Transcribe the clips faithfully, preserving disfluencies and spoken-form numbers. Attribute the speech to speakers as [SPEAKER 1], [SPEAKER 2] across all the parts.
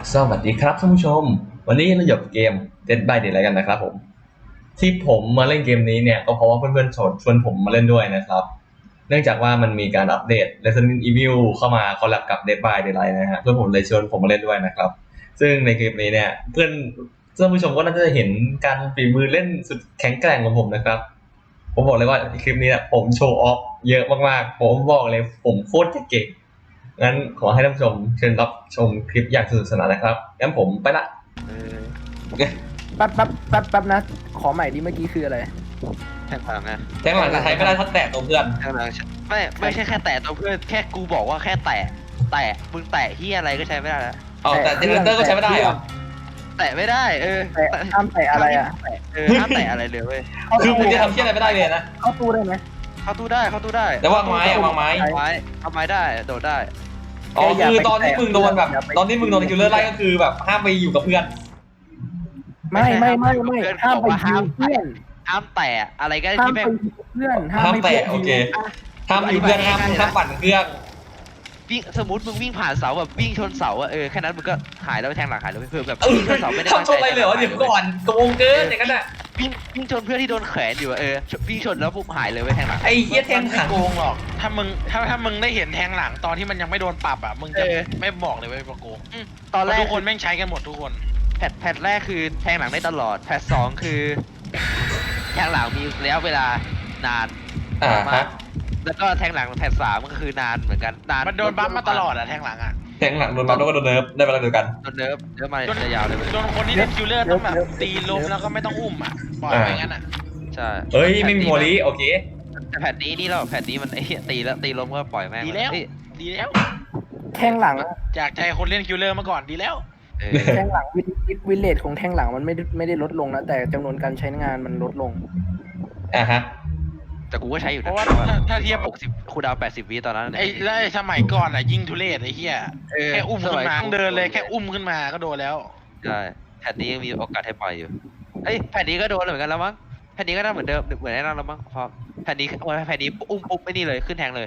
[SPEAKER 1] สวัสดีครับท่านผู้ชมวันนี้เราอยู่กับเกม Dead by Daylight กันนะครับผมที่ผมมาเล่นเกมนี้เนี่ยก็เพราะว่าเพื่อนๆชวนชวนผมมาเล่นด้วยนะครับเนื่องจากว่ามันมีการอัปเดต Resident Evil เข้ามาคอลแลบกับ Dead by Daylight นะฮะเพื่อนผมเลยชวนผมมาเล่นด้วยนะครับซึ่งในคลิปนี้เนี่ยเพื่อนท่านผู้ชมก็น่าจะเห็นการฝีมือเล่นสุดแข็งแกร่งของผมนะครับผมบอกเลยว่าคลิปนี้เนี่ยผมโชว์ออฟเยอะมากๆผมบอกเลยผมโคตรเก่งงั้นขอให้ท่านผู้ชมเชิญรับชมคลิปอย่างสนุกสนานนะครับงั้นผมไปละโอเค
[SPEAKER 2] แป๊บแป๊บแป๊บแป๊บนะขอใหม่ดิเมื่อกี้คืออะไร
[SPEAKER 3] แทงหลังไง
[SPEAKER 1] แทงหลังจะใช้ไม่ได้ถ้าแตะตัวเพื่อน
[SPEAKER 3] แทงหลังไม่ไม่ใช่แค่แตะตัวเพื่อนแค่กูบอกว่าแค่แตะแตะมึงแตะที่อะไรก็ใช้ไม่ได้แล้ว
[SPEAKER 1] อ๋อแต่เจเนเรเตอร์ก็ใช้ไม่ได้เหรอ
[SPEAKER 3] แตะไม่ได้เออ
[SPEAKER 2] แต่ห้ามแตะอะไรอ่ะ
[SPEAKER 3] เออห้ามแตะอะไรเลยเว้ย
[SPEAKER 1] คือมึงจะทำเชี่ยอะไรไม่ได้เลยนะ
[SPEAKER 2] เข้าตู้ได้ไหม
[SPEAKER 3] เข้าตู้ได้เข้าตู้ได้
[SPEAKER 1] แต่วางไม้อะวางไม้
[SPEAKER 3] เอาไม้เอาไม้ได้โดดได้
[SPEAKER 1] อ๋อคือตอนที่มึงโดนแบบตอนที่มึงโดนคิวเลอร์ไล่ก็คือแบบห้ามไปอยู่กับเพื่อน
[SPEAKER 2] ไม่ไม่ไม่ไม่ห้ามไปยิวเพื่อน
[SPEAKER 3] ห้ามแตะอะไรก็
[SPEAKER 2] ห้าม
[SPEAKER 3] ที่
[SPEAKER 2] ไป
[SPEAKER 3] แม่ง
[SPEAKER 2] ยิวเพื่อน
[SPEAKER 1] ห้าม
[SPEAKER 2] ไป
[SPEAKER 1] แตะโอเคห้ามอยู่เพื่อนห้ามห้ามปั่นเครื่อง
[SPEAKER 3] วิ่งสมมติมึงวิ่งผ่านเสาแบบวิ่งชนเสาอะเออแค่นั้นมึงก็หายแล้วแทงหลังหายแล้วเพื่อแบบ
[SPEAKER 1] เออ
[SPEAKER 3] วิ่งชนเสาไม่ได้
[SPEAKER 1] ทำโชว์อะไรเลยเหรอเดี๋ยวก่อนโกงเกินอย่างนั้นอ่ะ
[SPEAKER 3] วิ่งวิ่งชนเพื่อนที่โดนแขวนอยู่อะเออวิ่งชนแล้วปุ๊บหายเลยเว้ยแทงหลัง
[SPEAKER 1] ไอ้เหี้ยแทง
[SPEAKER 4] ไม่
[SPEAKER 1] หัน
[SPEAKER 4] โกงหรอก ถ้ามึงถ้าถ้ามึงได้เห็นแทงหลังตอนที่มันยังไม่โดนปรับอ่ะ มึงจะ
[SPEAKER 3] เออ
[SPEAKER 4] ไม่บอกเลยว่าเป็นโกง
[SPEAKER 3] ตอน
[SPEAKER 4] เพ
[SPEAKER 3] แร
[SPEAKER 4] ราะ
[SPEAKER 3] ก
[SPEAKER 4] ทุกคนแม่งใช้กันหมดทุกคน
[SPEAKER 3] แพทแพทแรกคือแทงหลังได้ตลอดแพทสองคือแทงหลังมีระยะเวลานาน
[SPEAKER 1] อ่าฮะ
[SPEAKER 3] แล้วก็แทงหลังแพทสามก็คือนานเหมือนกันนาน
[SPEAKER 4] มันโดนบัฟมาตลอดอ่ะแทงหลังอ่ะ
[SPEAKER 1] แทงหลังโดนบัฟแล้วก็โดนเนิร์ฟได้เวลาเดียวกัน
[SPEAKER 3] โดนเนิร์ฟเนิร์ฟมาจะยาวเลยเว้ย
[SPEAKER 4] โดนคนที่เล่นคิวเลอร์ต้องแบบตีล้มแล้วก็ไม่ต้องอุ้มอ่ะ ปล่อยไปงั้นอ่ะ
[SPEAKER 3] ใช่
[SPEAKER 1] เฮ้ยไม่มีโมลีโอเค
[SPEAKER 3] แต่แพทนี้นี่เราแพทนี้มันไอ้เหี้ยตีแล้วตีล้มก็ปล่อยแม่ง
[SPEAKER 4] ดีแล้ว
[SPEAKER 3] เฮ้ย
[SPEAKER 4] ดีแล้ว
[SPEAKER 2] แทงหลัง
[SPEAKER 4] จากใจคนเล่นคิวเลอร์มาก่อนดีแล้ว
[SPEAKER 3] เออ
[SPEAKER 2] แทงหลังวิวิเลตของแทงหลังมันไม่ได้ไม่ได้ลดลงนะแต่จำนวนการใช้งานมันลดลง
[SPEAKER 1] อ่าฮะ
[SPEAKER 3] แต่กูก็ใช้อยู่
[SPEAKER 4] เพ
[SPEAKER 3] นะ
[SPEAKER 4] ราะว่าถ้าถ้าเทียบ
[SPEAKER 3] หกสิบคูลดาวน์แปดสิบวิตอนนั้น
[SPEAKER 4] ไอ้แล้วไอ้สมัยก่อนอ่ะยิงทุเรศไอ้เหี้ย
[SPEAKER 3] เออ
[SPEAKER 4] แค่อุ้มขึ้นมา
[SPEAKER 3] สย
[SPEAKER 4] ต้องเดินเลยแค่อุ้มขึ้นมาก็โดนแล้ว
[SPEAKER 3] ใช่แผ่นนี้ยังมีโอกาสให้ปล่อยอยู่เอ้ยแผ่นนี้ก็โดนเหมือนกันแล้วมั้งแผ่นนี้ก็น่าเหมือนเดิมเหมือนไอ้นั่นแล้วมั้งพอแผ่นนี้แผ่นนี้อุ้มปุ๊บไอ้นี่เลยขึ้นแทงเลย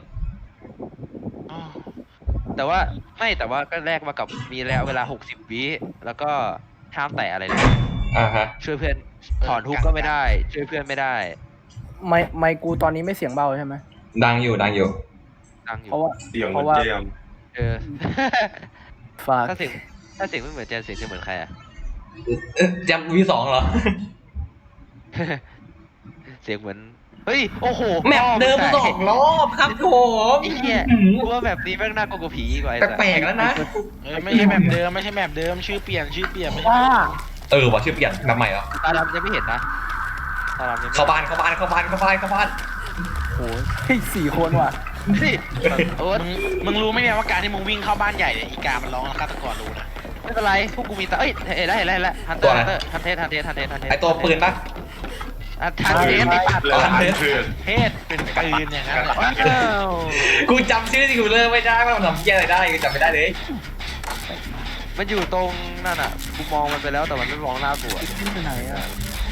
[SPEAKER 3] แต่ว่าไม่แต่ว่าก็แลกมากับมีระยะเวลาหกสิบวิแล้วก็ห้ามแตะอะไรเลย
[SPEAKER 1] อ่าฮะ
[SPEAKER 3] ช่วยเพื่อนถอนทุกก็ไม่ได้ ช่วยเพื่อนไม่ได้
[SPEAKER 2] ไม่ไม่กูตอนนี้ไม่เสียงเบาใช่ไหม
[SPEAKER 1] ดังอยู่ดังอยู่
[SPEAKER 3] ดังอยู่
[SPEAKER 2] เพราะว่า
[SPEAKER 5] เสียง
[SPEAKER 2] เพ
[SPEAKER 5] เหมือ
[SPEAKER 2] ราะ
[SPEAKER 5] น
[SPEAKER 2] ว่า
[SPEAKER 5] เจมส์
[SPEAKER 3] เออ
[SPEAKER 2] ฝาก
[SPEAKER 3] ถ้าเสียงถ้าเสียงไม่เหมือนเจนเสียงจะเหมือนใครอะ
[SPEAKER 1] เอ๊ะจำวีสองเหรอ
[SPEAKER 3] เสียงเหมือนเฮ้ยโอ้โห
[SPEAKER 1] แมปเดิมสองรอบครับผม
[SPEAKER 3] ไอ้เหี้ยกูว่าแบบนี้แม่งน่ากลัวกว่าผีกว่าไอ้สัส
[SPEAKER 1] แปลกๆแล้วนะ
[SPEAKER 4] เออไม่ใช่แมปเดิมไม่ใช่แมปเดิมชื่อเปลี่ยนชื่อเปลี่ยนไม่ใช่
[SPEAKER 2] ว่า
[SPEAKER 1] เออว่ะชื่อเปลี่ยนแบบใหม่เหรอ
[SPEAKER 3] ตาดำยังไม่เห็นนะตาดำยังไม่
[SPEAKER 1] เข้าบ้านเข้าบ้านเข้าบ้านเข้าบ้านเข้าบ้าน
[SPEAKER 2] โอ้ยเฮ้ยสี่คนว่ะ
[SPEAKER 3] นี่โอ๊ต
[SPEAKER 4] มึงมึงรู้ไหมเนี่ยว่าการที่มึงวิ่งเข้าบ้านใหญ่เนี่ยอีกามันร้องแล้วฆาตกรรู้นะ
[SPEAKER 3] ไม่เป็นไรพวกกูมีตาเอ้ยเห็นแล้วเห็นแล้วเห็นแล้วฮันเตอร์ฮันเตอร์ฮันเทสฮันเทสฮันเทสฮันเทส
[SPEAKER 1] ไอตัวปืนปะ
[SPEAKER 3] ฮันเทสไอ้สัตว์
[SPEAKER 5] แล้วอันเถื่อน
[SPEAKER 4] เทศเป็นปืนอย่างนั้นเหรอ
[SPEAKER 3] ว้าว
[SPEAKER 1] กูจำชื่อที่กูเลอร์ไม่ได้ว่ามันทำเหี้ยอะไรได้กูจำไม่ได้เลย
[SPEAKER 3] มันอยู่ตรงนั่นอ่ะกูมองมันไปแล้วแต่มันไม่มองหน้ากูอะ
[SPEAKER 2] ขึ้นไปไหนอ่ะ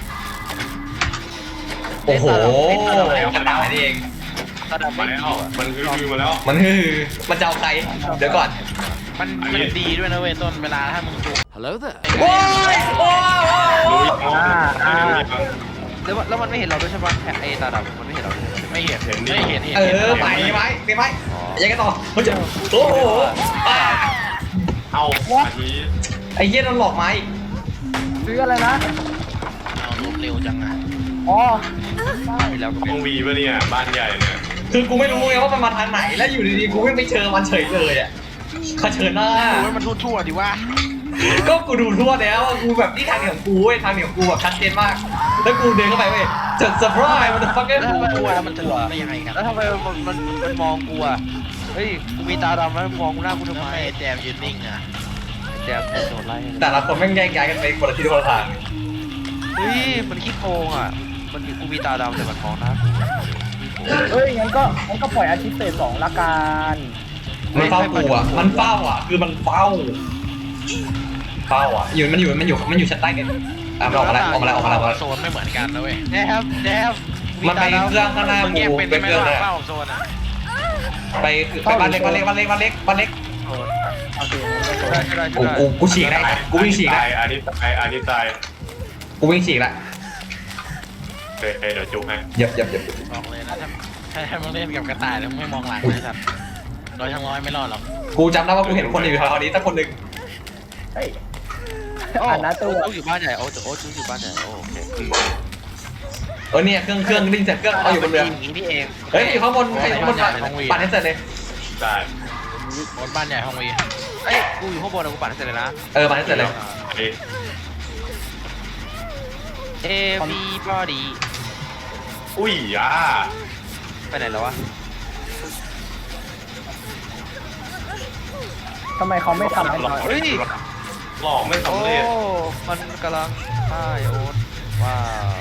[SPEAKER 1] โอ้โหขนาดนี้เอง
[SPEAKER 3] ตาดำ
[SPEAKER 5] มา
[SPEAKER 3] ไม่
[SPEAKER 5] แล้ว
[SPEAKER 3] ดีอะ
[SPEAKER 5] มันคือคือมาแล้ว
[SPEAKER 1] มันคือมันจะเอาใครเดี๋ยวก่อน
[SPEAKER 4] มันมันดีด้วยนะเว้ยต้นเวลาถ้ามึงจู
[SPEAKER 1] โอ้ยโอ้ย
[SPEAKER 5] รู้อีกอ๋อ
[SPEAKER 2] อ่า
[SPEAKER 5] ไม่รู้อีก
[SPEAKER 3] แล้วมันแล้วมันไม่เห็นเราด้วยใช่ปะไอ้ตาดำมันไม่เห็นเราด้วยใช่ปะ
[SPEAKER 4] ไม่เห็นไม่เห็นเห็น
[SPEAKER 1] เออไปไหมไปไหมยังไงต่อเขาจะโอ้โหอ่า
[SPEAKER 5] เอาอาที
[SPEAKER 1] ไอ้เหี้ยโดนหลอกไหม
[SPEAKER 2] ซื้ออะไรนะ
[SPEAKER 4] เอารวดเร็วจังอ่ะ
[SPEAKER 2] อ๋อ
[SPEAKER 3] เห็นแล้วก็
[SPEAKER 5] ห้องวีปะเนี่ยบ้านใหญ่เนี่ย
[SPEAKER 1] คือกูไม่รู้ไงว่ามันมาทางไหนแล้วอยู่ดีๆกูไม่ไปเจอมันเฉยเลยอ่ะเขาเชิญหน้า
[SPEAKER 4] โอ้ยมันทั่วๆดิว่า
[SPEAKER 1] ก็กูดูทั่วแล้วกูแบบนี่ทางเดียวของกูเว้ยทางเดียวของกูแบบชัดเจนมากแล้วกูเดินเข้าไปเว้ยจะเซอร์ไพรส์มันจะฟังเกอร์
[SPEAKER 4] ทั่วแล้วมันจะหลงได้ยังไงกัน
[SPEAKER 3] แล้วทำไมมันมันมันมองกูอ่ะเฮ้ยกูมีตาดำแล้วมองกูหน้ากูทำ
[SPEAKER 4] ทำ
[SPEAKER 3] ไม
[SPEAKER 4] ไมแจมยืนนิ่งอ่ะ
[SPEAKER 3] แจมโดนไล่
[SPEAKER 1] แต่ละคนแม่งแยกย้ายกันไปคนละทิศคนละทาง
[SPEAKER 3] เฮ้ยมันขี้โกงอ่ะมันมีกูมีตาดำแต่มันมองหน้ากู
[SPEAKER 2] เฮ้ยงั้นก็งั้นก็ปล่อยอาทิตย์เศษสองละกัน
[SPEAKER 1] มันเฝ้ากูอ่ะมันเฝ้าอ่ะคือมันเฝ้าเฝ้าอ่ะอยู่มันอยู่มันอยู่มันอยู่ชั้นใต้กันอ่ะมันออกมาแล้วออกมาแล้วออกมาแล้วออกมาแล้ว
[SPEAKER 4] โซนไม่เหมือนกันนะเว้ย
[SPEAKER 3] แนบแนบ
[SPEAKER 1] มันไปเครื่องข้างหน้า
[SPEAKER 4] มึงแยก
[SPEAKER 1] กู
[SPEAKER 4] เป็น
[SPEAKER 1] ไป
[SPEAKER 4] ได้ไหม
[SPEAKER 1] เครื่อง
[SPEAKER 4] ว่า
[SPEAKER 1] เลย
[SPEAKER 4] เฝ้าโซนอ่ะ
[SPEAKER 1] ไปไปบ้านเล็กบ้านเล็กบ้านเล็กบ้านเล็กบ้านเล็ก
[SPEAKER 2] โอเคงั้นก็จบ
[SPEAKER 3] ได้ได้
[SPEAKER 1] กู
[SPEAKER 3] ได้
[SPEAKER 1] กูกูฉีกได้กูวิ่งฉีกละ
[SPEAKER 5] อันนี้ตายอันนี้ตาย
[SPEAKER 1] กูวิ่งฉีกละ
[SPEAKER 5] เฮ้ยเฮ้ยเดี๋ยวจุกให้
[SPEAKER 1] เหยียบเหยียบเหยียบ
[SPEAKER 4] บอกเลยนะถ้าถ้าถ้ามึงเล่นกับกระต่ายแล้วมึงไม่มองหลังนะสัตว์ร้อยทั้งร้อยไม่รอดหรอก
[SPEAKER 1] กูจำได้ว่ากูเห็นคนอยู่แถวๆนี้สักคนหนึ่ง
[SPEAKER 2] เฮ้ย
[SPEAKER 3] โอ้
[SPEAKER 2] อ่านหน้าตู้
[SPEAKER 3] โอ้อยู่บ้านใหญ่โอ้โอ้อยู่บ้านใหญ่โอ้โอเค
[SPEAKER 1] เออเนี่ยเครื่องเครื่องดิ้นเสร็จเครื่องเอาอยู่บนเรือ
[SPEAKER 3] อย่างนี้นี่เอง
[SPEAKER 1] เฮ้ยอยู่ข้างบนใครอยู่ข้างบนปั่นให้เสร็จเลย
[SPEAKER 5] ได้
[SPEAKER 4] บนบ้านใหญ่ห้องวี
[SPEAKER 3] เอ้ยกูอยู่ข้างบนนะกูปั่นให้เสร็จเลยนะ
[SPEAKER 1] เออปั่นให้เสร็จเลย
[SPEAKER 5] เอ้ย
[SPEAKER 3] everybody
[SPEAKER 5] อุ้ยอ่ะ
[SPEAKER 3] ไปไหนแล้ววะ
[SPEAKER 2] ทำไมเขาไม่ทำให้น้อย
[SPEAKER 3] เฮ้ย
[SPEAKER 5] หลอกไม่
[SPEAKER 3] โอ้
[SPEAKER 5] สำเร็จ
[SPEAKER 3] มันกำลังฆ่าไอโอ๊ตว้าว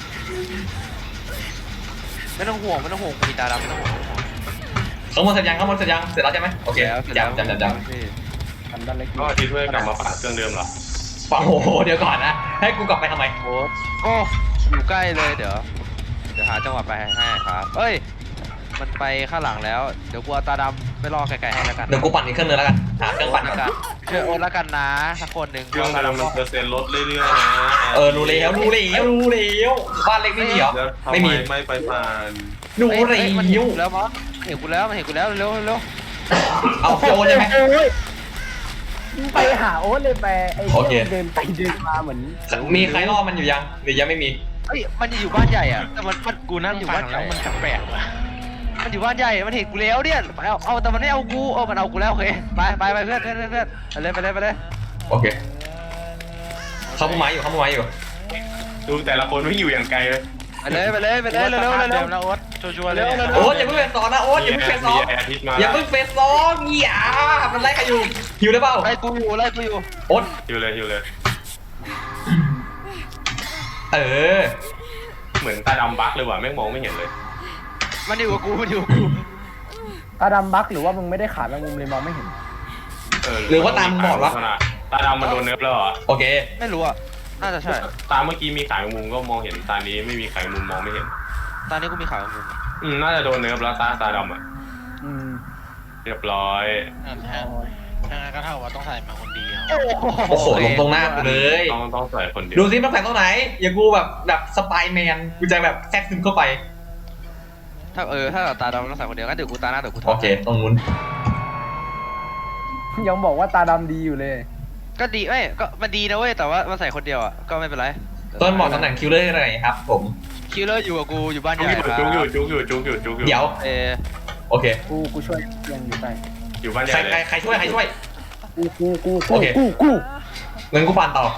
[SPEAKER 3] ไม่ต้องห่วงไม่ต้องห่วงมีตาดำไม่ต้องห่วง
[SPEAKER 1] ข้างบนเสร็จยังข้างบนเสร็จยังเสร็จแล้วใช่ไหมโอเค
[SPEAKER 3] แล้วเสร็จแล้ว
[SPEAKER 1] จำจำจำจ
[SPEAKER 2] ทำด้านเล็ก
[SPEAKER 5] ก็อาทิตย์เพื่อกลับมาปั่นเครื่องเดิมเหรอ
[SPEAKER 1] ำโอ้โหเดี๋ยวก่อนนะให้กูกลับไปทำไม
[SPEAKER 3] โอ๊ตโอ้อยู่ใกล้เลยเดี๋ยวเดี๋ยวหาจังหวะไปให้ครับเอ้ยมันไปข้างหลังแล้วเดี๋ยวกูเอาตาดำไปรอไกลๆให้แล้วกัน
[SPEAKER 1] เดี๋ยวกูปั่นอีกเครื่องนึงแล้วกันหาเครื่องปั่นก่อน
[SPEAKER 3] ช่วยโอ๊ตแล้วกันนะสักคนหนึ่ง
[SPEAKER 5] เครื่องกำลังมันเปอร์เซ็นต์ลดเรื่อยๆนะ
[SPEAKER 1] เออรู้แล้วรู้แล้วรู้แล้วบ้านเล็กไม่มีเหรอ
[SPEAKER 5] แล้วทำ
[SPEAKER 1] ไม่
[SPEAKER 5] ไม
[SPEAKER 1] มี
[SPEAKER 5] ไม่ไปผ่าน
[SPEAKER 1] รู้
[SPEAKER 3] เอ้ย
[SPEAKER 1] แล้
[SPEAKER 3] เอ้ยมันเห็น
[SPEAKER 1] ว
[SPEAKER 3] กูแล้วมั้งเห็นกูแล้วมันเห็นกูแล้วเร็วเร็ว
[SPEAKER 1] เอาพี่โอใช่ไหม
[SPEAKER 2] โอ้ยไปหาโอ๊ตเลยไปไอ้
[SPEAKER 1] โอเค
[SPEAKER 2] เหี้ยเดินไปเดินมาเหมือน
[SPEAKER 1] มีใครล่อมันอยู่ยังหรือยังไม่มี
[SPEAKER 3] เฮ้ยมันอยู่บ้านใหญ่อะแต่มันมัน
[SPEAKER 4] กูนั่ง
[SPEAKER 3] อยู่
[SPEAKER 4] ฟั
[SPEAKER 3] บ้าง นให
[SPEAKER 4] แล้
[SPEAKER 3] ญ่
[SPEAKER 4] วมันแปลกๆว่ะ
[SPEAKER 3] มันอยู่บ้านใหญ่มันเห็นกูแล้วเนี่ยเอาเอาแต่มันไม่เอากูเออมันเอากูแล้วโอเคไปไปไปเพื่อนเพื่อนเพื่อนเพื่อนไปเลยไปเลยไปเลย
[SPEAKER 1] โอเคเข้ามุมไม้อยู่เข้ามุมไม้อยู่
[SPEAKER 5] ดูแต่ละคนไม่อยู่อย่างไกลเลย
[SPEAKER 3] ไปเลยไปเลยไปเลยเร็วเร็ว
[SPEAKER 4] เดิ
[SPEAKER 3] เร็ว
[SPEAKER 4] มแล้วโอ๊ตชัวร์ๆเลย
[SPEAKER 1] โอ๊ตอย่าเพิ่งเฟสสองนะโอ๊ตอย่าเพิ่งเฟสสอง
[SPEAKER 5] มีแอร์อาทิตย์มา
[SPEAKER 1] อย่าเพิ่งเฟสสองอย่ามันไล่ใครอยู่หิวได้เปล่า
[SPEAKER 3] ไล่กูอยู่ไล่กูอยู่
[SPEAKER 1] โอ๊ต
[SPEAKER 5] อยู่เลยอยู่เลย
[SPEAKER 1] เออ
[SPEAKER 5] เหมือนตาดำบั๊กเลยว่ะแม่งมองไม่เห็นเลย
[SPEAKER 3] มันอยู่กับกูมันอยู่กับกู
[SPEAKER 2] ตาดำบักหรือว่ามึงไม่ได้ขาแมงมุมเลยมองไม่เห็น
[SPEAKER 5] เออ
[SPEAKER 1] หรือว่าตามบอดวะ
[SPEAKER 5] ตาดำมันโดนเนิร์ฟแล้วเหรอ
[SPEAKER 1] โอเค
[SPEAKER 3] ไม่รู้อะน่าจะใช่
[SPEAKER 5] ตาเมื่อกี้มีขายมุมก็มองเห็นตานี้ไม่มีขายมุมมองไม่เห็น
[SPEAKER 3] ตอนนี้กูมีข่าวของมึง
[SPEAKER 5] อืมน่าจะโดนเนิร์ฟแล้วตาตาดำอ่ะ
[SPEAKER 2] อืม
[SPEAKER 5] เรียบร้อย
[SPEAKER 4] อ่ะถ้าถ้างั้นก็เท่ากับว่าต้องใส่มาคนเดียว
[SPEAKER 1] โอ้โหลงตรงหน้ากูเลย
[SPEAKER 5] ต้องต้องใส่คนเดียว
[SPEAKER 1] ดูซิมันแฝงตรงไหน อย่ากูแบบแบบสไปแมนกูจะแบบแทรกซึมเข้าไป
[SPEAKER 3] ถ้าเออถ้าตาดำต้องใส่คนเดียวงั้นเดี๋ยวกูตาหน้าเดี๋ยวกู
[SPEAKER 1] โอเค ตรงนู้น
[SPEAKER 2] ยังบอกว่าตาดำดีอยู่เลย
[SPEAKER 3] ก็ดีเอ้ยก็มันดีนะเว้ยแต่ว่ามันใส่คนเดียวอะก็ไม่เป็นไร
[SPEAKER 1] ต้นบอกตำแหน่งคิวเลอร์อะไรครับ ผม
[SPEAKER 3] คิลเลอร์อยู่กับกูอยู่บ้านให
[SPEAKER 5] จุก
[SPEAKER 3] ญ่
[SPEAKER 5] อยู่
[SPEAKER 3] ครับ
[SPEAKER 5] จุกอยู่จุกอยู่จุกอยู่จุกอยู่
[SPEAKER 1] เดี๋ยว
[SPEAKER 3] เออ
[SPEAKER 1] โอเค
[SPEAKER 2] กูกูช่วยยังอยู่ใต้
[SPEAKER 5] อยู่บ้านให
[SPEAKER 1] ใคร
[SPEAKER 5] ญ่เล
[SPEAKER 1] ใคร
[SPEAKER 5] ย
[SPEAKER 1] ใครช่วยใครช่วย
[SPEAKER 2] กูกูกู
[SPEAKER 1] โอเค
[SPEAKER 2] กูกู
[SPEAKER 1] เงินกูปั่นต่อ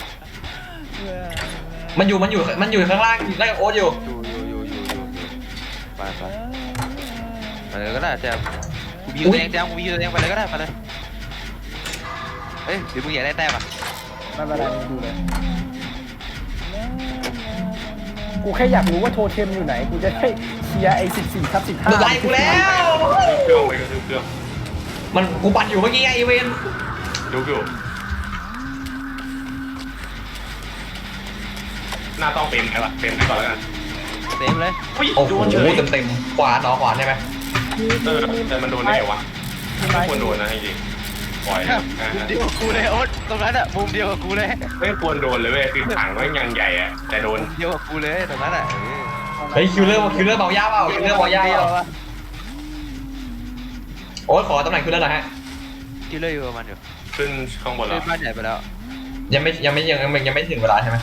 [SPEAKER 1] มันอยู่มันอยู่มันอยู่ข้างล่างไล่กับโอ๊ตอยู่
[SPEAKER 3] อยู่อยู่อยู่อยู่อยู่อยู่ไปไปไปเลยก็ได้แจมกูมีอยู่ตัวเองแจมกูมีอยู่ตัวเองไปเลยก็ได้ไปเลยเอ้ยหรือมึงอยากได้แต้มอ่ะ
[SPEAKER 2] ไม่เป็นไรมึงดูเลยกูแค่อยากรู้ว่าโทเทมอยู่ไหนกูจะได้เคลียร์ไอ้สิบสี่ทับสิบห้า
[SPEAKER 1] ไล่กูแล้ว
[SPEAKER 5] เครื่องไปก็คือเครื่อง
[SPEAKER 1] มันกูปั่นอยู่เมื่อกี้ไงไอเวน
[SPEAKER 5] จุกอยู่หน้าต้องเต็มใช่ปะเต็มไปก่อนแล้วกัน
[SPEAKER 3] เต็มเลย
[SPEAKER 5] อุ้ย
[SPEAKER 1] โอ้โห
[SPEAKER 5] โดนเฉย
[SPEAKER 1] เต็มเต็มๆขวาเนาะขวาใช่ไหม
[SPEAKER 5] เออแต่มันโดนได้ไงวะไม่ควรโดนนะจริงๆปล่อยนะ
[SPEAKER 3] มุมเดียวกับกูเลยโอ๊ตตรงนั้นอะมุมเดียวกับกูเลย
[SPEAKER 5] ไม่ควรโดนเลยเว้ยคือถังมันยังใหญ่อะแต่โดน
[SPEAKER 3] มุมเดียวกับกูเลยตรงนั้นอะเออ
[SPEAKER 1] เฮ้ยคิวเลอร์คิวเลอร์เบายาเปล่าคิวเลอร์เบายาเปล่าโอ๊ตขอตำแหน่งคิวเลอร์หน่อยฮะ
[SPEAKER 3] คิลเลอร์อยู่กับมันอยู่
[SPEAKER 5] ขึ้นข้างบน
[SPEAKER 3] ขึ้
[SPEAKER 5] แล้ว
[SPEAKER 3] นบ้านใหญ่ไปแล้ว
[SPEAKER 1] ยังไม่ยังไม่ยังยังยังไม่ถึงเวลาใช่ไหม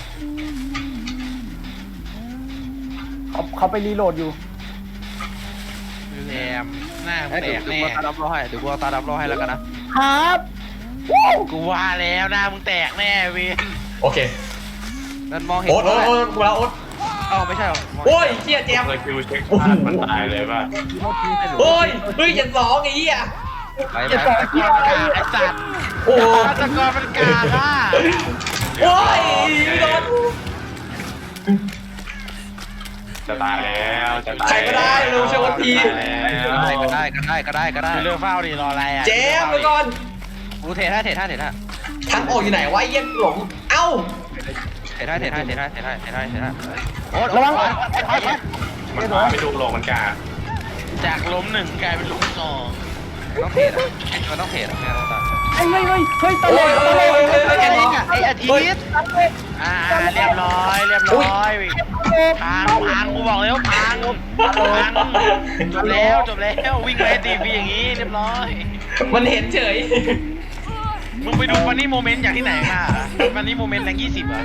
[SPEAKER 2] เขาเขาไปรีโหลดอยู่
[SPEAKER 4] แอมหน้ามึ
[SPEAKER 3] เอ้ย
[SPEAKER 4] งแต
[SPEAKER 3] เดี๋ยว
[SPEAKER 4] ก
[SPEAKER 3] เดี๋ยว
[SPEAKER 4] แน่
[SPEAKER 3] กูเอาตาดำรอให้เดี๋ยวกูเอาตาดำรอให้แล้วกันนะ
[SPEAKER 2] ครับ
[SPEAKER 4] กูว่าแล้วหน้ามึงแตกแน่เว้ย
[SPEAKER 1] โอเค
[SPEAKER 3] นั่นมองเห็น
[SPEAKER 1] โอ๊ต
[SPEAKER 3] กู
[SPEAKER 1] โอ๊ต
[SPEAKER 3] แล้ว
[SPEAKER 1] โอ๊ตกูแล้วโอ๊ต
[SPEAKER 3] เอ้าไม่ใช่หรอมง
[SPEAKER 1] โอ้ยเชี่ยเจม
[SPEAKER 5] เคยคิวเช็คพลาดมันตายเลยป่ะ
[SPEAKER 1] โอ้ยเฮ้ยเจ็ดสองไอ้เหี้ย
[SPEAKER 3] ไปไป
[SPEAKER 2] จะ
[SPEAKER 3] ไป
[SPEAKER 2] ต่อ
[SPEAKER 3] ไป
[SPEAKER 2] ที่
[SPEAKER 4] กาไอ้สัตว์
[SPEAKER 1] โอ้โห
[SPEAKER 4] ฆาตกรมันกาล่ะ
[SPEAKER 1] โอ้ยโดน
[SPEAKER 5] จะตายแล้วจะตาย
[SPEAKER 1] ใครก็ได้เร็วเชื่อวันที
[SPEAKER 5] แล้ว
[SPEAKER 3] ก็ได้ก็ได้ก็ได้ก็ได้
[SPEAKER 4] คือเลือกเฝ้าดิรออะไรอ่ะ
[SPEAKER 1] เจมไปก่อน
[SPEAKER 3] กูเทท่าเทท่าเทท่า
[SPEAKER 1] ทางออกอยู่ไหนวะเยี่ยหลงเอ้า
[SPEAKER 3] เทท่าเทท่าเทท่าเทท่าเทท่าเทท่าโอ๊ต
[SPEAKER 2] ระวัง
[SPEAKER 5] มันมาไม่ดูหรอกมันกา
[SPEAKER 4] จากล้มหนึ่งกลายเป็นล้มสอง
[SPEAKER 3] ต้องเทรดอะมันต้องเทรดอะไม่งั้นเราตาย
[SPEAKER 2] เฮ้ยเฮ้ยเฮ้ยเฮ้ยตะ
[SPEAKER 1] โอ้
[SPEAKER 2] เลย
[SPEAKER 1] โอ้ยโอ้ยโอ้ย
[SPEAKER 3] ไอ้
[SPEAKER 1] โอ้ย
[SPEAKER 3] เนี่ยไอ้อาทิตย์
[SPEAKER 4] อ่าเรียบร้อยเรียบร้อยพังพังกูบอกแล้วพังพังจบแล้วจบแล้ววิ่งไปตีพีอย่างนี้เรียบร้อย
[SPEAKER 1] มันเห็นเฉย
[SPEAKER 4] มึงไปดูฟันนี่โมเมนต์อย่างที่ไหนมาฟันนี่โมเมนต์แรงยี่สิบเหรอ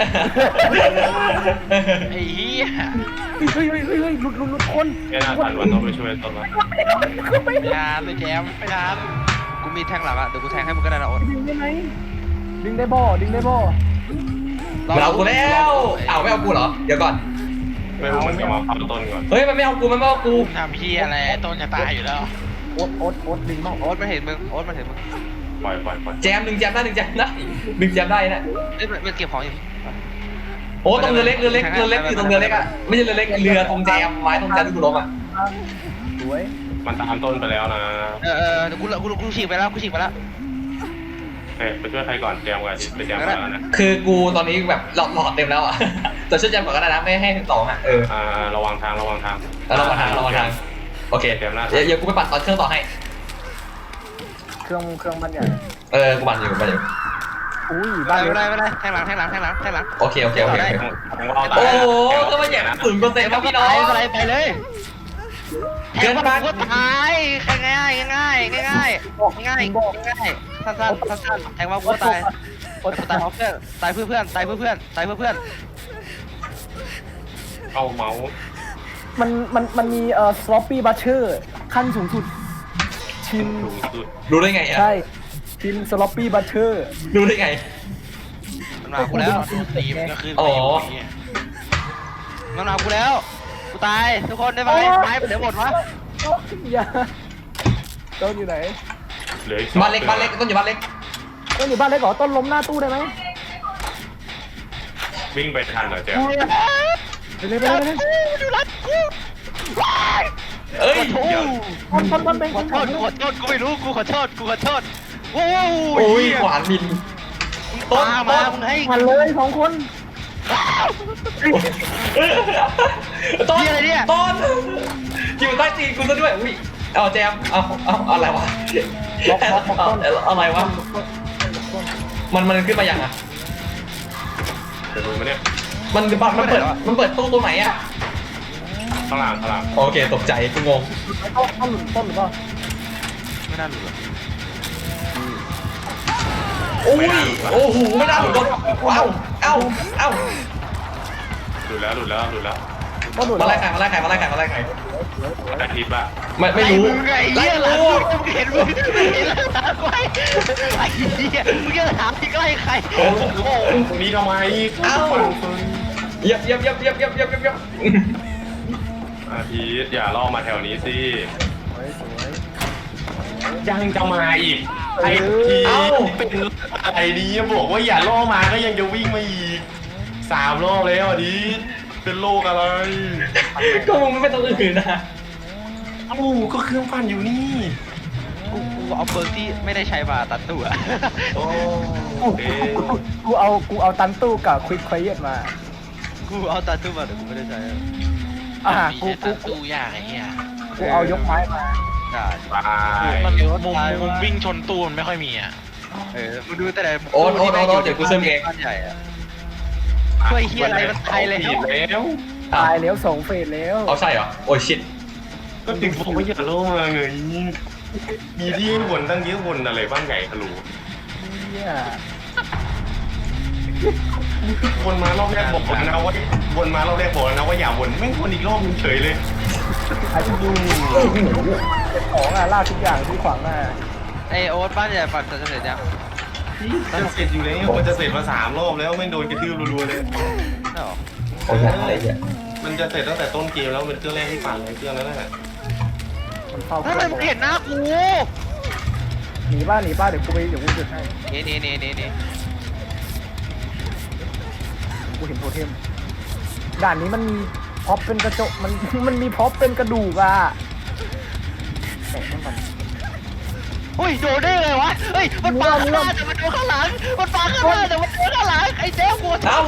[SPEAKER 4] ไอ้เหี้ย
[SPEAKER 2] เฮ้ยเฮ้ยเฮ้ยเฮ้ยหลุดหลุดหลุดคน
[SPEAKER 5] แค่น่าทันวันต้องไปช่วยต้นวะ
[SPEAKER 4] ไม่ทานเลยแจมไม่ทาน
[SPEAKER 3] กูมีแทงหลังอะเดี๋ยวกูแทงให้มึงก็ได้นะโอ๊ต
[SPEAKER 2] ดึงได้ไหมดึงได้บ่ดึงได้บ่
[SPEAKER 1] มันเอากูแล้วเอาไม่เอากูเหรอเดี๋ยวก่อน
[SPEAKER 5] ไม่รู้มันจะมาเข้าต้นก่อน
[SPEAKER 1] เฮ้ยมันไม่เอากูมันไม่เอากู
[SPEAKER 4] ทำเพี้ยอะไรต้นจะตายอยู่แล้ว
[SPEAKER 2] โอ๊ตโอ๊ตโอ๊ตดึงมั่ง
[SPEAKER 3] โอ๊ตมันเห็นมึงโอ๊ตมันเห็นมึง
[SPEAKER 5] ปล่อยปล่อยปล่อย
[SPEAKER 1] แจมหนึ่งแจมได้หนึ่งแจมได้หนึ่งแจมได้นะ
[SPEAKER 3] เอ้ยมันมันเก็บของอยู่
[SPEAKER 1] โอ้ตรงเรือเล็กเรือเล็กเรือเล็กอยู่ตรงเรือเล็กอ่ะไม่ใช่เรือเล็กเรือตรงแจมไม้ตรงแจมที่กูล้มอ่ะ
[SPEAKER 2] สวย
[SPEAKER 5] มันตามต้นไปแล้วนะ
[SPEAKER 3] เออเออเดี๋ยวกูกูกูฉีกไปแล้วกูฉีกไปแล้ว
[SPEAKER 5] เฮ้ยไปช่วยใครก่อนแจมก่อนไปแจมก่อนแล้วนะ
[SPEAKER 1] คือกูตอนนี้แบบหลอดหลอดเต็มแล้วอ่ะ แต่ช่วยแจมก่อนก็ได้นะไม่ให้ถึงสองอ่ะเออ
[SPEAKER 5] อ่าระวังทางระวังทาง
[SPEAKER 1] แล้วเรามาทางเรามาทางโอเค
[SPEAKER 5] แจมหน้า
[SPEAKER 1] เดี๋ยวเดี๋ยวกูไปปั่นตอนเครื่องต่อให้
[SPEAKER 2] เครื่องเครื่องมันใหญ่
[SPEAKER 1] เออกูปั่นอยู่กูปั่นอยู่
[SPEAKER 2] อุ้ย
[SPEAKER 3] ไม่
[SPEAKER 2] บ้าน
[SPEAKER 3] เป็นไร
[SPEAKER 2] เล็ก
[SPEAKER 3] ไม่เป็นไรแทงหลังแทงหลังแทงหลังแทงหลัง
[SPEAKER 1] โอเคโอเคโอเคโอเค
[SPEAKER 5] ของเราตาย
[SPEAKER 1] โอ้โหก็มาแย่งศูนย์เปอร์เซ็นต์ครับพี่น้อง
[SPEAKER 3] ไม่เป็นไรไปเลยแท
[SPEAKER 1] เกิ
[SPEAKER 3] ง
[SPEAKER 1] น
[SPEAKER 3] มัน
[SPEAKER 1] ไป
[SPEAKER 3] ก็ตายง่ายง่ายง่ายง่ายง่ายง่ายสั้นสั้นสั้นแทงว่ากูตาย
[SPEAKER 2] โอ๊ต
[SPEAKER 3] ตายเพราะเพื่อนตายเพื่อเพื่อนตายเพื่อเพื่อนตายเพื่อเพื่อน
[SPEAKER 5] เข้าเมาส์
[SPEAKER 2] มันมันมันมีเอ่อสล็อปปี้บัตเชอร์ขั้นสูงสุดชิม
[SPEAKER 5] สูงสุด
[SPEAKER 1] รู้ได้ไงอ่ะ
[SPEAKER 2] ใช่ชิมสล็อปปี้บัตเชอร์
[SPEAKER 1] รู้ได้ไง
[SPEAKER 3] มันมากูแล้ว
[SPEAKER 4] ตีมันก็คือ
[SPEAKER 1] อ๋อ
[SPEAKER 4] ตี
[SPEAKER 3] มันมากูแล้วกูตายทุกคนได้ไหมไม้เดี๋ยวหมดวะ
[SPEAKER 2] อย่าต้นอยู่ไหน
[SPEAKER 5] เหลืออีก
[SPEAKER 1] บ้านเล็กบ้านเล็กต้นอยู่บ้านเล็ก
[SPEAKER 2] ต้นอยู่บ้านเล็กเหรอต้นล้มหน้าตู้ได้ไหม
[SPEAKER 5] วิ่งไปทันเหรอแจม
[SPEAKER 2] ไปเลยไปเลยไปเลย
[SPEAKER 3] ดูรัดกู
[SPEAKER 1] เอ้ย
[SPEAKER 2] ต้นต้นต้นเป็น
[SPEAKER 3] ขอโทษขอโทษกูไม่รู้กูขอโทษกูขอโทษโอ้
[SPEAKER 1] โอ้ยขวานบินต้น
[SPEAKER 3] มา
[SPEAKER 1] ต้
[SPEAKER 3] มาน มึงให้
[SPEAKER 2] หันเลยสองคน
[SPEAKER 1] ต้นต้นอยู่ใต้ตีนกูซะด้วยอุ้ยเอาแจมเอาเอาอะไรวะเอาอะไรวะมันมันขึ้นมาอย่างอ่ะ
[SPEAKER 5] จะรู้ไหมเนี่ย
[SPEAKER 1] มันมันเปิดมันเปิดตู้ตัวไหนอ่ะ
[SPEAKER 5] ข้างหลังข้างหลัง
[SPEAKER 1] โอเคตกใจกูงง
[SPEAKER 2] ต้นต้นหลุดต้นหรือเปล่า
[SPEAKER 3] ไม่น่าหลุดหรอ
[SPEAKER 1] โอ้ยโอ้โหไม่น่าหลุดรถเอ้าเอ้าเอ้า
[SPEAKER 5] หลุดแล้วหลุดแล้วหลุดแล้ว
[SPEAKER 2] ต้นหลุด
[SPEAKER 1] มาไล่ไข่มาไล่ไข่มาไล่ไข่มาไล่ไข่
[SPEAKER 5] อาทิตย์ละ
[SPEAKER 1] ไม่ไม่รู้
[SPEAKER 3] ไอ้
[SPEAKER 1] ไล่
[SPEAKER 3] เหี้ย
[SPEAKER 1] รู้
[SPEAKER 3] มึงเห็นมึงเห็นแล้วถามไว้ไอ้เหี้ยมึงจะถามที่ใกล้ใครโอ้โห
[SPEAKER 5] ตรงนี้ทำไม
[SPEAKER 1] เอ้าเย็บเย็บเย็บเย็บเย็บเย็บเย็บ
[SPEAKER 5] อาทิตย์อย่าล่อมาแถวนี้สิ
[SPEAKER 2] สวยสวย
[SPEAKER 5] ยังจะมาอีกไอ้ทีเป็นอะไรนี้บอกว่าอย่าล่อมาก็ยังจะวิ่งมาอีกสามรอบแล้วอาทิตย์เป็นโรคอะไร
[SPEAKER 1] ก็มึงไม่ต้องอื่นนะ
[SPEAKER 5] เอ้าก็เครื่องปั่นอยู่นี่
[SPEAKER 3] กูกูเอาเบิร์กที่ไม่ได้ใช้มาตัดตัว
[SPEAKER 5] โอ้
[SPEAKER 2] กูกูเอากูเอาตันตู้กับควิกควายเยตมา
[SPEAKER 3] กูเอาตัดตัวมาแต่กูไม่ได้ใช้
[SPEAKER 2] อ่า
[SPEAKER 4] มี
[SPEAKER 2] กู
[SPEAKER 4] แต่
[SPEAKER 2] กู
[SPEAKER 4] ตู้ยากไอ้เหี้ย
[SPEAKER 2] กูเอายกไม้มา
[SPEAKER 3] ได้
[SPEAKER 5] ตาย
[SPEAKER 4] มันมุมมุมวิ่งชนตู้มันไม่ค่อยมีอ่ะ
[SPEAKER 3] เออมึงดูแต่ไหน
[SPEAKER 1] โอ๊ตโอ๊ตโอ๊ตโอ๊ตเดี๋ยวกูเสริมเอง
[SPEAKER 3] บ้านใหญ่อะ ช่วยเหี้ยอะไรมันตายแล้ว
[SPEAKER 5] ผิดแล้ว
[SPEAKER 2] ตายแล้วสองเฟสแล้ว
[SPEAKER 1] เอาใช่เหรอโอ้ยชิต
[SPEAKER 5] ก็ถึงบอกว่าอย่าล่อมาไงมีที่ให้วนตั้งเยอะวนอะไรบ้างไงฮัลโหล
[SPEAKER 2] เนี่ย
[SPEAKER 5] วนมารอบแรกบอกนะว่าวนมารอบแรกบอกแล้วนะว่าอย่าวนไม่วนอีกรอบนึงเฉยเลย
[SPEAKER 2] ไอ้ดูของอ่ะล่าทุกอย่างที่ขวางหน้า
[SPEAKER 3] ไอโอ๊ตบ้านใหญ่ปั่นจะเสร็จยัง
[SPEAKER 5] จะเสร็จอยู่แล้วมันจะเสร็จมาสามรอบแล้วไม่โดนกระทืบรัวๆเลย
[SPEAKER 3] ใช่หรอ
[SPEAKER 1] โอ้ยอะไรเนี่ย
[SPEAKER 5] มันจะเสร็จตั้งแต่ต้นเกมแล้วเป็นเครื่องแรกที่ปั่นเลยเครื่องนั้นแหละ
[SPEAKER 2] มันเฝ้า
[SPEAKER 3] ทำไมมึงเห็นหน้ากู
[SPEAKER 2] หนีบ้านหนีบ้านเดี๋ยวกูไปเดี๋ยวกูจุดให้
[SPEAKER 3] นี่นี่นี่นี่นี่
[SPEAKER 2] กูเห็นโทเทมด่านนี้มันมีพ็อปเป็นกระจกมันมันมีพ็อปเป็นกระดูกอ่ะแตะมันก่อน
[SPEAKER 3] เฮ้ยโดนได้เลยวะเฮ้ยมันปาข้างหน้าแต่มันโดนข้างหลังมันปาข้างหน้าแต่มันโดนข้างหลังไอ้เจ๊หัว
[SPEAKER 1] เอ้า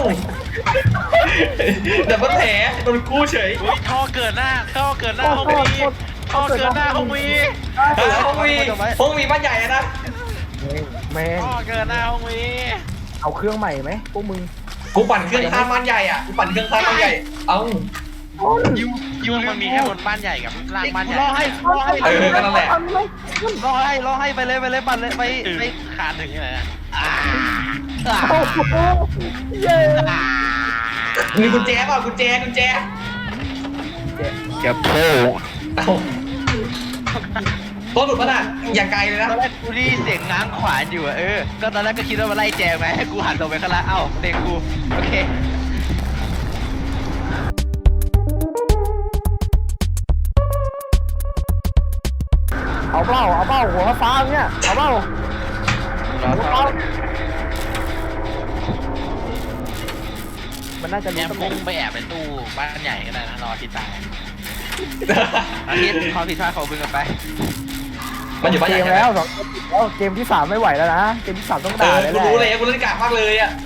[SPEAKER 1] แต่มันแผลโดนกู้เฉย
[SPEAKER 4] อุ้ยท่อเกิดหน้าท่อเกิดหน้า
[SPEAKER 2] โทษ
[SPEAKER 4] ห้อง
[SPEAKER 2] โทษ
[SPEAKER 4] นี้
[SPEAKER 2] โทษ
[SPEAKER 4] พ่อเกิดหน้าห้องวี
[SPEAKER 1] เออห้องวีห้องวีบ้านใหญ่อะนะ
[SPEAKER 2] แม่ง
[SPEAKER 4] พ่อเกิดหน้าห้องวี
[SPEAKER 2] เอาเครื่องใหม่ไหมพวกมึง
[SPEAKER 1] กูปั่นเครื่องข้ามบ้านใหญ่อ่ะกูปั่นเครื่องข้ามบ้านใหญ่เอ้า
[SPEAKER 4] ยูยูมันมีแค่บนบ้านใหญ่กับล่างบ้านใหญ่
[SPEAKER 3] รอให้รอให้
[SPEAKER 1] เออก็นั่นแหละ
[SPEAKER 3] รอให้รอให้ไปเลยไปเลยปั่นเลยไป
[SPEAKER 4] ไป
[SPEAKER 3] ไป
[SPEAKER 4] ขาดถึงยังไงนะ
[SPEAKER 2] โอ้โหเย้
[SPEAKER 1] มีกุญแจเปล่ากุญแจกุญแจ
[SPEAKER 3] เก็บโป้
[SPEAKER 1] เอ้าตัวหลุดปะน่ะอย่างไกลเลยนะ
[SPEAKER 3] ตอนแรกกูได้ยินเสียงง้างขวานอยู่อะเออก็ตอนแรกก็คิดว่ามาไล่แจงไหมให้กูหันลงไปข้างล่างเอ้าเด็กกูโอเค
[SPEAKER 2] เอาเปล่าเอาเปล่าหัวฟ้าเนี่ยเอาเปล่าร
[SPEAKER 3] อ
[SPEAKER 2] หัว
[SPEAKER 3] ต่
[SPEAKER 2] ฟ้า
[SPEAKER 3] อ
[SPEAKER 2] มันน่าจะ
[SPEAKER 4] แอ
[SPEAKER 2] รู้
[SPEAKER 4] ม
[SPEAKER 2] ตำแห
[SPEAKER 4] พุ่
[SPEAKER 2] น่ง
[SPEAKER 4] งไปแอบในตู้บ้านใหญ่ก็ได้นะรอที่ตาย
[SPEAKER 3] อาทิตย์ความผิดพลาดของมึงกันไป
[SPEAKER 1] มันอยู่บ้าน
[SPEAKER 2] เก
[SPEAKER 1] ใหญ่
[SPEAKER 2] ม
[SPEAKER 1] ใช่ไหม
[SPEAKER 2] แล้วสองเกมแล้วเกมที่สามไม่ไหวแล้วนะเกมที่สามต้อง
[SPEAKER 1] เอ
[SPEAKER 2] ด่า
[SPEAKER 1] อ
[SPEAKER 2] เลย
[SPEAKER 1] กู
[SPEAKER 2] แหละ
[SPEAKER 1] รู้เลยกูเล่นกากมากเลยอ่ะ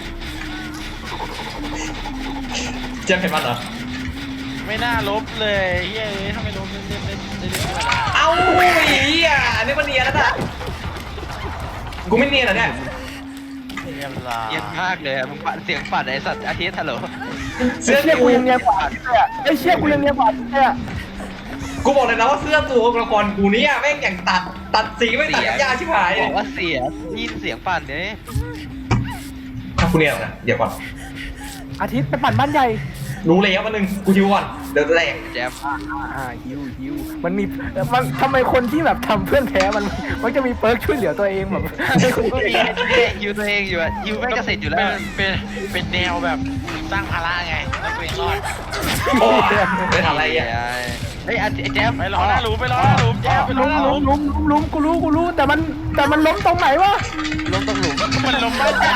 [SPEAKER 1] เจมส์เห็นมันเหรอ
[SPEAKER 4] ไม่น่าลบเลยเฮ้ยทำไมลบเล่นเล่นเล่นเล่นเล่น
[SPEAKER 1] เอ้าไอ้เหี้ยอันนี้มันเนียนแล้วนะกูไม่เนียนเหรอเนี่ย
[SPEAKER 4] เรียบร้อย
[SPEAKER 3] เย็นมากเลยอะมึงปั่นเสียงปั่นไอ้สัตว์อาทิตย์ฮัลโหล
[SPEAKER 2] เสื้อเชี่ยกูยังเนียนกว่าเลยอ่ะไอ้เชี่ยกูยังเนียนกว่าเลยอ่ะ
[SPEAKER 1] กูบอกเลยนะว่าเสื้อตัวละครกูเนี่ยแม่งอย่างตัดตัดสีไม่ตัดกับยาชิบหาย
[SPEAKER 3] บอกว่าเสียยินเสียงปั่นเนี่ย
[SPEAKER 1] ถ้ากูเนียนนะเดี๋ยวก่อน
[SPEAKER 2] อาทิตย์ไปปั่นบ้านใหญ่
[SPEAKER 1] รู้เลยครับวันหนึ่งกูฮิวก่อนเดี๋ยวแรง
[SPEAKER 3] แจม
[SPEAKER 2] อ่าฮิวฮิวมันมีมันทำไมคนที่แบบทำเพื่อนแพ้มันมันจะมีเปิร์กช่วยเหลือตัวเองแบบ
[SPEAKER 3] ก็มียูตัวเองอยู่อะยูไม่เกษตรอยู่แล้ว
[SPEAKER 4] เป็นเป็นแนวแบบสร้างภาระไงแล้วตัวเองรอด
[SPEAKER 1] โอ้ไม่ทำอะไรอ่ะ
[SPEAKER 3] เฮ้ยแจม
[SPEAKER 4] ไปรอหน้าหลุมไปรอหน้าหลุมแย่ไปรอ
[SPEAKER 2] ล้ม
[SPEAKER 4] หน้าห
[SPEAKER 2] ล้
[SPEAKER 4] ลุ
[SPEAKER 2] ม
[SPEAKER 4] ม
[SPEAKER 2] ล้มล้มล้มกูรู้กูรู้แต่มันแต่มันล้มตรงไหนวะ
[SPEAKER 3] ลงตรงหลุม
[SPEAKER 4] มันลมบ้านใหญ่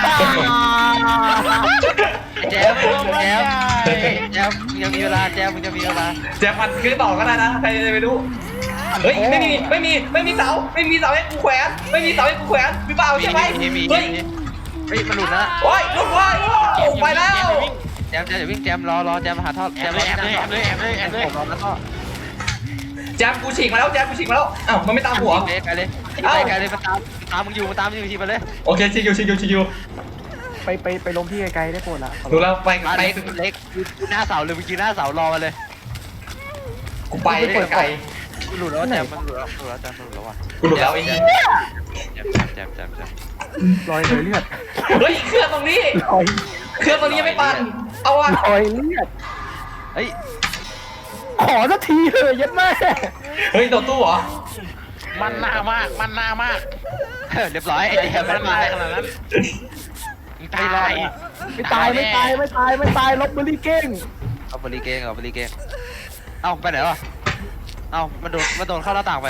[SPEAKER 3] แจมแจมแจมมึงยังมีเวลาแจมมึงยังมีเวลา
[SPEAKER 1] แจ็คมันคือต่อก็ได้นะใครจะไปรู้เฮ้ยไม่มีไม่มีไม่มีเสาไม่มีเสาให้กูแขวนไม่มีเสาให้กูแขวนมีเปล่าใช่ไหม
[SPEAKER 3] มีมี
[SPEAKER 1] เฮ้ย
[SPEAKER 3] เฮ้ยมันหลุดนะ
[SPEAKER 1] โอ้ยลุกไว้โอ้ไปแล้ว
[SPEAKER 3] แจมแจมอย่าวิ่งแจมรอรอแจมหาท่อ
[SPEAKER 4] แอ
[SPEAKER 3] แจ
[SPEAKER 4] บ
[SPEAKER 3] ม
[SPEAKER 4] เลยแอบเลยแอบเลยแอบเลยแอบเลย
[SPEAKER 3] ผมรอแล้วก็
[SPEAKER 1] แจ็คกูฉีกมาแล้วแจ็คกูฉีกมาแล้วอ้าวมันไม่ตามหัว
[SPEAKER 3] เล็กไปเลยไปเลยมาตามตามมึงอยู่มาตามมึงอยู่ทีไปเลย
[SPEAKER 1] โอเคชิคิวชิคิวชิคิว
[SPEAKER 2] ไปไปไปล้มที่ไกลๆได้โปรดละ
[SPEAKER 1] ดูแล้วไป
[SPEAKER 3] มา
[SPEAKER 1] ไป
[SPEAKER 3] เล็กเล็กหน้าเสาเลยเมื่อกี้หน้าเสารอมาเลย
[SPEAKER 1] กูไปไกล
[SPEAKER 3] หลุดแล้วแจมมันหลุดแล้วหลุดแล้วแจมหลุดแล้วว่ะ
[SPEAKER 1] กูหลุดแล้วไอ้เหี้ย
[SPEAKER 3] แจมแจมแจม
[SPEAKER 2] รอยเลยเลือด
[SPEAKER 1] เฮ้ยเครื่องตรงนี้
[SPEAKER 2] รอย
[SPEAKER 1] เครื่องตรงนี้ยังไม่ปั่นเอาวะ
[SPEAKER 2] รอยเลือด
[SPEAKER 3] เฮ้ย
[SPEAKER 2] ขอสักทีเถอะยัดแม่
[SPEAKER 1] เฮ้ยโดนตู้เหรอ
[SPEAKER 4] มันหน้ามากมันหน้ามาก
[SPEAKER 3] เรียบร้อยไอ้แจม
[SPEAKER 4] มั
[SPEAKER 3] มัน น
[SPEAKER 4] มา
[SPEAKER 3] มา
[SPEAKER 4] ได้ขนาดนั้นตาย
[SPEAKER 2] ไม่ตายไม่ตายไม่ตายไม่ตายลบเบอร์รี่เก้ง
[SPEAKER 3] เอาบริเกงเอาบริเกงเอ้าไปไหนวะเอ้ามันโดนมันโดนเข้าหน้าต่างไป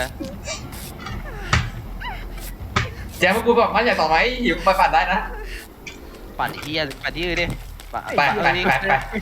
[SPEAKER 1] แจ็คกูแบบมันใหญ่ต่อไหมหิวไปปั่นได้นะ
[SPEAKER 3] ปั่นที่ปั่นที่อื่นดิ
[SPEAKER 1] ไปไปไปไปไป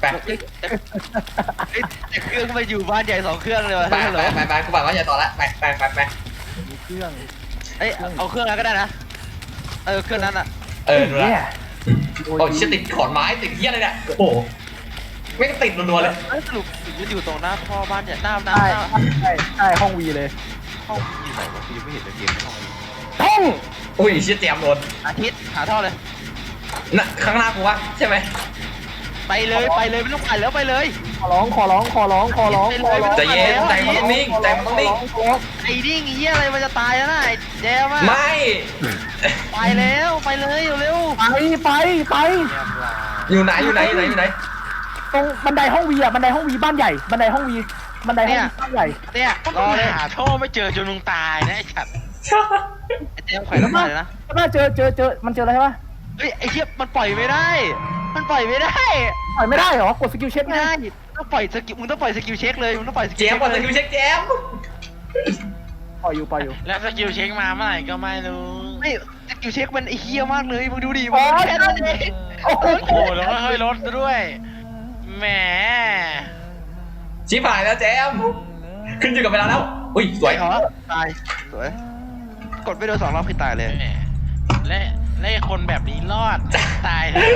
[SPEAKER 3] เครื่องมาอยู่บ้านใหญ่สองเครื่องเลยวะ
[SPEAKER 1] ไป
[SPEAKER 3] ฮัลโห
[SPEAKER 1] ไป
[SPEAKER 3] ล
[SPEAKER 1] ไปไปกูปั่นมันใหญ่ต่อละไปไปไปไป
[SPEAKER 2] มีเครื่อง
[SPEAKER 3] เอ้ยเอาเครื่องนั้นก็ได้นะเออเครื่องนั้นอ่ะ
[SPEAKER 1] เออดูละ
[SPEAKER 2] เนี่ย
[SPEAKER 1] โอ้ยติดขอนไม้ติดเหี้ยอะไรเนี่ยโอ้โหไม่ติดรัวๆเลย
[SPEAKER 3] เอ้ยสรุปมันอยู่ตรงหน้าพ่อบ้านใหญ่หน้าหน้า
[SPEAKER 2] ใช่
[SPEAKER 3] หน้า
[SPEAKER 2] ใช่ใช่ห้องวีเลย
[SPEAKER 3] ห้องอยู่ไหนวะกูยังไม่เห็นเลยเกมในห้อง
[SPEAKER 2] ห้อง
[SPEAKER 1] อุ้ยเชี่ยแจมโดน
[SPEAKER 3] อาทิตย์หาท่อเลย
[SPEAKER 1] น่ะข้างหน้ากูวะใช่ไหม
[SPEAKER 3] ไปเลยไปเลยไม่ต้องปั่นแล้วไปเลย
[SPEAKER 2] ขอร้องขอร้องขอร้องขอร้องขอร้อง
[SPEAKER 1] ใจเย็นใจมันต้องนิ่งใจมันต้องนิ่ง
[SPEAKER 3] ไอ้ดิ้งไอ้เหี้ยอะไรมันจะตายแล้วนะไอ้แจมอะ
[SPEAKER 1] ไม่
[SPEAKER 3] ไปแล้วไปเลยเร็ว
[SPEAKER 2] ไปไปไป
[SPEAKER 1] อยู่ไหนอยู่ไหนอยู่ไหนอยู่ไหน
[SPEAKER 2] ตรงบันไดห้องวีอ่ะบันไดห้องวีบ้านใหญ่บันไดห้องวีบันไดห้องวีบ้านใหญ่
[SPEAKER 3] ๆเนี่ย
[SPEAKER 4] ก็
[SPEAKER 3] รอเลย
[SPEAKER 4] หาท่อไม่เจอจนมึงตายนะไอ้ฉัด
[SPEAKER 3] ไอ้แจมไขว่แล้วไปเลยนะ
[SPEAKER 2] น่าเจอเจอเจอมันเจออะไรใช่ปะ
[SPEAKER 3] เฮ้ยไอ้เหี้ยมันปล่อยไม่ได้ มันปล่อยไม่ได้
[SPEAKER 2] ปล่อยไม่ได้เหรอกดสกิลเช็ค
[SPEAKER 3] ไม่
[SPEAKER 2] ไง
[SPEAKER 3] ได้ต้องปล่อยสกิลมึงต้องปล่อยสกิลเช็คเลยมึงต้องปล่อยส
[SPEAKER 1] แจ
[SPEAKER 3] กิล
[SPEAKER 1] มก่อนสกิลเช็คแจม
[SPEAKER 2] ปล่อยอยู่ปล่อยอยู่
[SPEAKER 4] แล้วสกิลเช็คมาเมื่อไหร่ก็ไม่รู้
[SPEAKER 3] ไม่สกิลเช็คมันไอ้เหี้ยมากเลยมึงดูดิมันแค่นั้นเอง
[SPEAKER 2] โอ้โห
[SPEAKER 4] โอ้โหแล้วก็เฮ้ยรถด้วยแหม
[SPEAKER 1] ชิบหายแล้วแจมขึ้นอยู่กับเวลาแล้วอุ้ยสวย
[SPEAKER 3] เหรอตายสวยกดไปโดนสองรอบคือตายเลย
[SPEAKER 4] แหมและและไอ้คนแบบนี้รอดตายเลย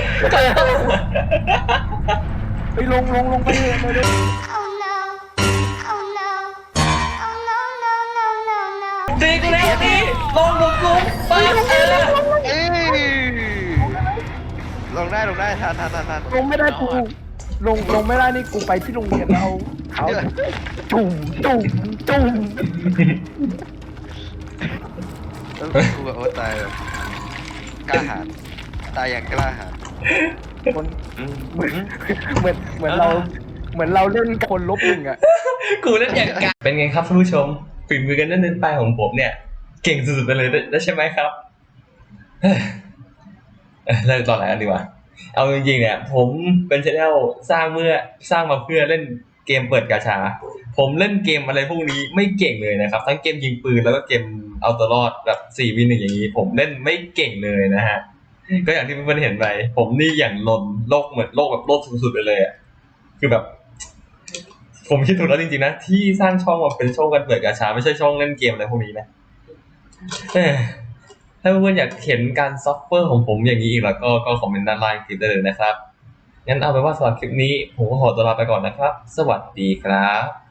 [SPEAKER 2] ไปลงลงลงไปเลยเลย
[SPEAKER 6] Oh no, oh no, oh
[SPEAKER 1] ลงดิลงลงลงไปเออ
[SPEAKER 3] เอ้ยลงได้ลงได้ทันทันทันทัน
[SPEAKER 2] ลงไม่ได้กูลงลงไม่ได้นี่กูไปที่โรงเรียนแล้วเอาเอาจุ่มจุ่มจุ่ม
[SPEAKER 3] กูแบบโอ้ตายแบบกล้าหาญตายอย่างกล้าหาญ
[SPEAKER 2] คนเหมือนเหมือนเหมือนเราเหมือนเราเล่นกับคนลบหนึ่งอ่ะ
[SPEAKER 1] กูเล่นอย่างกันเป็นไงครับท่านผู้ชมฝีมือกันเล่นๆไปของผมเนี่ย เก่งสุดๆไปเลยได้ใช่ไหมครับเฮ้ยเอ้ยเลิกตอนไหนกันดีกว่าเอาจริงๆเนี่ย ผมเป็นชแนลสร้างเมื่อสร้างมาเพื่อเล่นเกมเปิดกาชา ผมเล่นเกมอะไรพวกนี้ไม่เก่งเลยนะครับ ทั้งเกมยิงปืนแล้วก็เกมเอาตัวรอดแบบสี่วีหนึ่งอย่างนี้ ผมเล่นไม่เก่งเลยนะฮะก็อย่างที่เพื่อนๆเห็นไปผมนี่อย่างลนโลกเหมือนโลกแบบโลกสุดๆไปเลยอ่ะคือแบบ ผมคิดถูกแล้วจริงๆนะที่สร้างช่องมาเป็นช่องการเปิดกาชาไม่ใช่ช่องเล่นเกมอะไรพวกนี้นะเอ้ยถ้าเพื่อนๆอยากเห็นการซัฟเฟอร์ของผมอย่างนี้อีกแล้วก็ก็คอมเมนต์ด้านล่างคลิปได้เลยนะครับงั้นเอาเป็นว่าสำหรับคลิปนี้ผมก็ขอตัวลาไปก่อนนะครับสวัสดีครับ